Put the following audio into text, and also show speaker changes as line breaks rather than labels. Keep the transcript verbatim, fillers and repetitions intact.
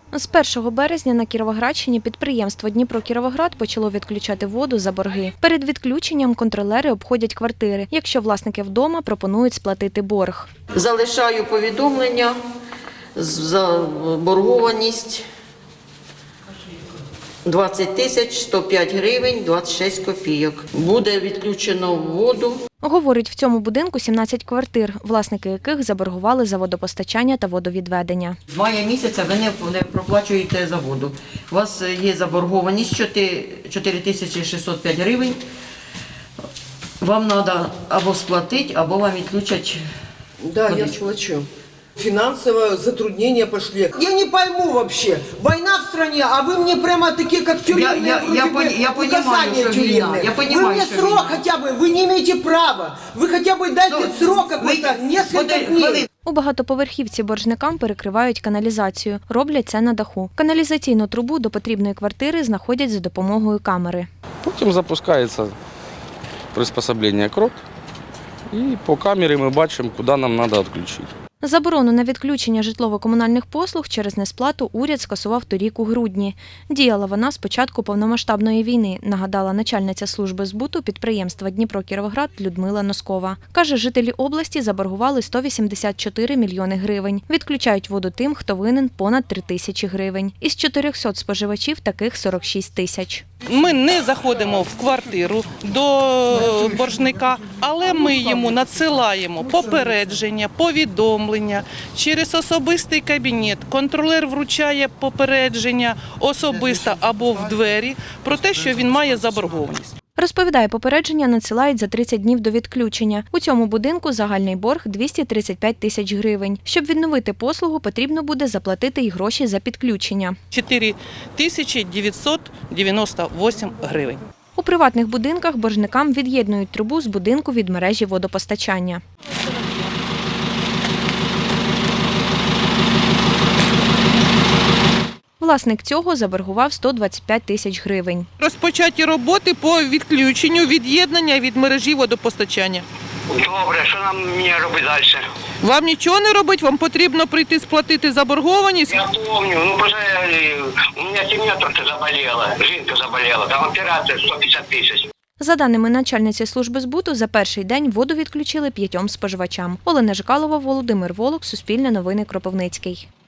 З першого березня на Кіровоградщині підприємство «Дніпро-Кіровоград» почало відключати воду за борги. Перед відключенням контролери обходять квартири. Якщо власники вдома, пропонують сплатити борг.
Залишаю повідомлення за боргованість двадцять тисяч сто п'ять гривень двадцять шість копійок. Буде відключено воду.
Говорить, в цьому будинку сімнадцять квартир, власники яких заборгували за водопостачання та водовідведення.
З мая місяця ви не, не проплачуєте за воду. У вас є заборгованість чотири тисячі шістсот п'ять гривень. Вам треба або сплатити, або вам відключать.
Да, я сплачу. Финансовые затруднения пошли. Я не пойму вообще. Война в стране, а вы мне прямо такие, как тюремные,
Я- я- я
вроде бы,
пони- я понимаю,
указания
что
тюремные.
вина. Я понимаю,
Вы мне
что
срок
вина.
хотя бы, вы не имеете права. Вы хотя бы дайте
Ну,
срок какой-то,
вы-
несколько
Ходи-
дней.
ходи.
У багатоповерхівці боржникам перекривають каналізацію. Роблять це на даху. Каналізаційну трубу до потрібної квартири знаходять за допомогою камери.
Потім запускається приспособлення крок, і по камері ми бачимо, куди нам треба відключити.
Заборону на відключення житлово-комунальних послуг через несплату уряд скасував торік у грудні. Діяла вона з початку повномасштабної війни, нагадала начальниця служби збуту підприємства «Дніпро-Кіровоград» Людмила Носкова. Каже, жителі області заборгували сто вісімдесят чотири мільйони гривень. Відключають воду тим, хто винен понад три тисячі гривень. Із чотирьохсот споживачів таких сорок шість тисяч.
Ми не заходимо в квартиру до боржника, але ми йому надсилаємо попередження, повідомлення через особистий кабінет. Контролер вручає попередження особисто або в двері про те, що він має заборгованість.
Розповідає, попередження надсилають за тридцять днів до відключення. У цьому будинку загальний борг двісті тридцять п'ять тисяч гривень. Щоб відновити послугу, потрібно буде заплатити й гроші за підключення.
чотири тисячі дев'ятсот дев'яносто вісім гривень.
У приватних будинках боржникам від'єднують трубу з будинку від мережі водопостачання. Власник цього заборгував сто двадцять п'ять тисяч гривень.
Розпочаті роботи по відключенню від'єднання від мережі водопостачання.
Добре, що нам мені робити далі?
Вам нічого не робить, вам потрібно прийти сплатити заборгованість.
Я помню, ну просто е, у мене сім'я трохи заболіла, жінка заболіла, там операція сто п'ятдесят тисяч.
За даними начальниці служби збуту, за перший день воду відключили п'ятьом споживачам. Олена Жикалова, Володимир Волок, Суспільне новини, Кропивницький.